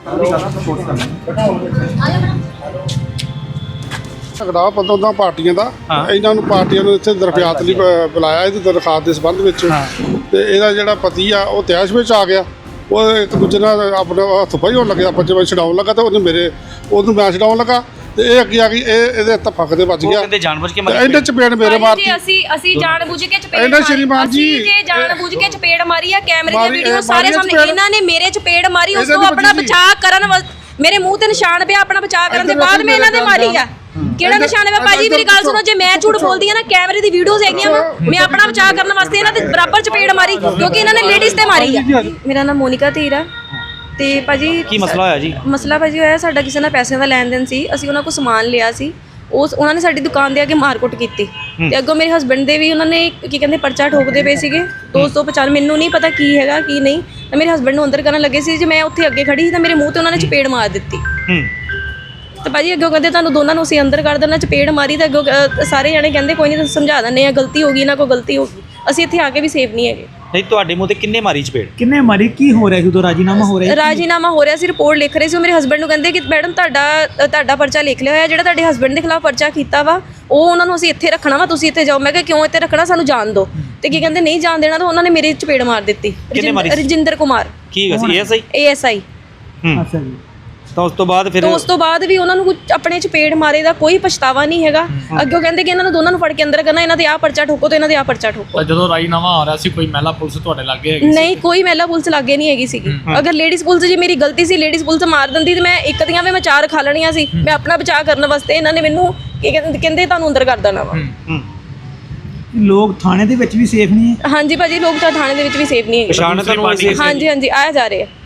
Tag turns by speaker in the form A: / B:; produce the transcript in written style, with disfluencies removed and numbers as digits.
A: ਝਗੜਾ ਪਤਾ ਪਾਰਟੀਆਂ ਦਾ, ਇਹਨਾਂ ਨੂੰ ਪਾਰਟੀਆਂ ਨੂੰ ਇੱਥੇ ਦਰਖਾਸਤ ਲਈ ਬੁਲਾਇਆ ਇਹਦੀ ਦਰਖਾਸਤ ਦੇ ਸੰਬੰਧ ਵਿੱਚ। ਤੇ ਇਹਦਾ ਜਿਹੜਾ ਪਤੀ ਆ ਉਹ ਤੈਸ਼ ਵਿੱਚ ਆ ਗਿਆ, ਉਹ ਇੱਕ ਦੂਜੇ ਨਾਲ ਆਪਣਾ ਹੱਥ ਪਾਈ ਹੋਣ ਲੱਗਿਆ, ਪੰਜੇ ਵਜੇ ਛਡਾਉਣ ਲੱਗਾ ਤੇ ਉਹਨੂੰ ਮੈਂ ਛਡਾਉਣ ਲੱਗਾ ਤੇ ਇਹ ਅੱਗੇ ਆ ਗਈ, ਇਹਦੇ ਧੱਫਕ ਦੇ ਵੱਜ ਗਿਆ।
B: ਕਹਿੰਦੇ ਜਾਣਬੁੱਝ ਕੇ
A: ਇਹਨੇ ਚਪੇੜ ਮੇਰੇ ਮਾਰਤੀ।
C: ਅਸੀਂ ਜਾਣਬੁੱਝ ਕੇ ਚਪੇੜ
A: ਇਹਨਾਂ ਸ਼੍ਰੀਮਾਨ ਜੀ
C: ਜਾਣਬੁੱਝ ਕੇ ਚਪੇੜ ਮਾਰੀ ਆ, ਕੈਮਰੇ ਦੀਆਂ ਵੀਡੀਓ ਸਾਰੇ ਸਾਹਮਣੇ। ਇਹਨਾਂ ਨੇ ਮੇਰੇ ਚਪੇੜ ਮਾਰੀ, ਉਸ ਤੋਂ ਆਪਣਾ ਬਚਾਅ ਕਰਨ, ਮੇਰੇ ਮੂੰਹ ਤੇ ਨਿਸ਼ਾਨ ਪਿਆ, ਆਪਣਾ ਬਚਾਅ ਕਰਨ ਦੇ ਬਾਅਦ ਮੈਂ ਇਹਨਾਂ ਦੇ ਮਾਰੀ ਆ। ਕਿਹੜਾ ਨਿਸ਼ਾਨ ਹੈ ਭਾਜੀ? ਮੇਰੀ ਗੱਲ ਸੁਣੋ, ਜੇ ਮੈਂ ਝੂਠ ਬੋਲਦੀ ਆ ਨਾ, ਕੈਮਰੇ ਦੀ ਵੀਡੀਓਜ਼ ਹੈਗੀਆਂ ਵਾ, ਮੈਂ ਆਪਣਾ ਬਚਾਅ ਕਰਨ ਵਾਸਤੇ ਇਹਨਾਂ ਦੇ ਬਰਾਬਰ ਚਪੇੜ ਮਾਰੀ, ਕਿਉਂਕਿ ਇਹਨਾਂ ਨੇ ਲੇਡੀਜ਼ ਤੇ ਮਾਰੀ ਆ। ਮੇਰਾ ਨਾਮ ਮੋਨਿਕਾ ਧੀਰ ਆ। ਤੇ ਭਾਜੀ
B: ਕੀ ਮਸਲਾ ਹੋਇਆ ਜੀ?
C: ਮਸਲਾ ਭਾਜੀ ਹੋਇਆ ਸਾਡਾ ਕਿਸੇ ਨਾਲ ਪੈਸਿਆਂ ਦਾ ਲੈਣ ਦੇਣ ਸੀ, ਅਸੀਂ ਉਹਨਾਂ ਕੋਲ ਸਮਾਨ ਲਿਆ ਸੀ, ਉਹਨਾਂ ਨੇ ਸਾਡੀ ਦੁਕਾਨ ਦੇ ਅੱਗੇ ਮਾਰਕੁੱਟ ਕੀਤੀ ਤੇ ਅੱਗੋਂ ਮੇਰੇ ਹਸਬੰਡ ਦੇ ਵੀ ਉਹਨਾਂ ਨੇ ਕੀ ਕਹਿੰਦੇ ਪਰਚਾ ਠੋਕਦੇ ਪਏ ਸੀਗੇ 295। ਮੈਨੂੰ ਨਹੀਂ ਪਤਾ ਕੀ ਹੈਗਾ ਕੀ ਨਹੀਂ, ਤਾਂ ਮੇਰੇ ਹਸਬੰਡ ਨੂੰ ਅੰਦਰ ਕਰਨ ਲੱਗੇ ਸੀ, ਜੇ ਮੈਂ ਉੱਥੇ ਅੱਗੇ ਖੜੀ ਸੀ ਤਾਂ ਮੇਰੇ ਮੂੰਹ ਤੇ ਉਹਨਾਂ ਨੇ ਚਪੇੜ ਮਾਰ ਦਿੱਤੀ। ਤੇ ਭਾਜੀ ਅੱਗੋਂ ਕਹਿੰਦੇ ਤੁਹਾਨੂੰ ਦੋਨਾਂ ਨੂੰ ਅਸੀਂ ਅੰਦਰ ਕਰ ਦੇਣਾ, ਚਪੇੜ ਮਾਰੀ ਤਾਂ ਅੱਗੋਂ ਸਾਰੇ ਜਣੇ ਕਹਿੰਦੇ ਕੋਈ ਨਹੀਂ ਤੁਸੀਂ ਸਮਝਾ ਦਿੰਦੇ ਆ, ਗਲਤੀ ਹੋ ਗਈ, ਇਹਨਾਂ ਕੋਲ ਗਲਤੀ ਹੋ ਗਈ। ਅਸੀਂ ਇੱਥੇ ਆ ਕੇ ਵੀ ਸੇਫ ਨਹੀਂ ਹੈਗੇ।
B: ਨਹੀਂ, ਤੁਹਾਡੇ ਮੂੰਹ ਤੇ ਕਿੰਨੇ ਮਾਰੀ ਚਪੇੜ?
D: ਕਿੰਨੇ ਮਾਰੀ? ਕੀ ਹੋ ਰਿਹਾ ਸੀ ਉਦੋਂ? ਰਾਜੀਨਾਮਾ ਹੋ ਰਿਹਾ?
C: ਰਾਜੀਨਾਮਾ ਹੋ ਰਿਹਾ ਸੀ, ਰਿਪੋਰਟ ਲਿਖ ਰਹੇ ਸੀ। ਮੇਰੇ ਹਸਬੰਡ ਨੂੰ ਕਹਿੰਦੇ ਕਿ ਮੈਡਮ ਤੁਹਾਡਾ ਪਰਚਾ ਲਿਖ ਲਿਆ ਹੋਇਆ, ਜਿਹੜਾ ਤੁਹਾਡੇ ਹਸਬੰਡ ਦੇ ਖਿਲਾਫ ਪਰਚਾ ਕੀਤਾ ਵਾ ਉਹ ਉਹਨਾਂ ਨੂੰ ਅਸੀਂ ਇੱਥੇ ਰੱਖਣਾ ਵਾ, ਤੁਸੀਂ ਇੱਥੇ ਜਾਓ। ਮੈਂ ਕਿਹਾ ਕਿਉਂ ਇੱਥੇ ਰੱਖਣਾ, ਸਾਨੂੰ ਜਾਣ ਦਿਓ। ਤੇ ਕੀ ਕਹਿੰਦੇ ਨਹੀਂ ਜਾਣ ਦੇਣਾ, ਤਾਂ ਉਹਨਾਂ ਨੇ ਮੇਰੇ ਚਪੇੜ ਮਾਰ ਦਿੱਤੀ। ਰਜਿੰਦਰ ਕੁਮਾਰ
B: ਕੀ ਸੀ?
C: ASI।
D: ਅੱਛਾ ਜੀ।
B: ਤਾਂ ਉਸ ਤੋਂ ਬਾਅਦ
C: ਵੀ ਉਹਨਾਂ ਨੂੰ ਕੁਝ ਆਪਣੇ ਚਪੇੜ ਮਾਰੇ ਦਾ ਕੋਈ ਪਛਤਾਵਾ ਨਹੀਂ ਹੈਗਾ। ਅੱਗੇ ਕਹਿੰਦੇ ਕਿ ਇਹਨਾਂ ਨੂੰ ਦੋਨਾਂ ਨੂੰ ਫੜ ਕੇ ਅੰਦਰ ਕਰਨਾ, ਇਹਨਾਂ ਦੇ ਆਹ ਪਰਚਾ ਠੋਕੋ ਤੇ ਇਹਨਾਂ ਦੇ ਆਹ ਪਰਚਾ ਠੋਕੋ।
E: ਜਦੋਂ ਰਾਜੀਨਾਮਾ ਆ ਰਿਹਾ ਸੀ ਕੋਈ ਮਹਿਲਾ ਪੁਲਿਸ ਤੁਹਾਡੇ ਲੱਗੇ ਹੈਗੀ?
C: ਨਹੀਂ, ਕੋਈ ਮਹਿਲਾ ਪੁਲਿਸ ਲੱਗੇ ਨਹੀਂ ਹੈਗੀ ਸੀਗੀ। ਅਗਰ ਲੇਡੀਜ਼ ਪੁਲਿਸ ਜੀ ਮੇਰੀ ਗਲਤੀ ਸੀ, ਲੇਡੀਜ਼ ਪੁਲਿਸ ਮਾਰ ਦਿੰਦੀ ਤੇ ਮੈਂ ਇੱਕ ਦੀਆਂ ਵੀ ਮੈਂ 4 ਖਾ ਲੈਣੀਆਂ ਸੀ। ਮੈਂ ਆਪਣਾ ਬਚਾਅ ਕਰਨ ਵਾਸਤੇ ਇਹਨਾਂ ਨੇ ਮੈਨੂੰ ਕਹਿੰਦੇ ਤੁਹਾਨੂੰ ਅੰਦਰ ਕਰ ਦੇਣਾ ਵਾ।
D: ਲੋਕ ਥਾਣੇ ਦੇ ਵਿੱਚ ਵੀ ਸੇਫ ਨਹੀਂ ਹੈ?
C: ਹਾਂਜੀ ਭਾਜੀ, ਲੋਕ ਤਾਂ ਥਾਣੇ ਦੇ ਵਿੱਚ ਵੀ ਸੇਫ ਨਹੀਂ ਹੈਗੇ।
B: ਪਛਾਣ ਤੁਹਾਨੂੰ?
C: ਹਾਂਜੀ ਆਇਆ ਜਾ ਰਹੇ ਆ।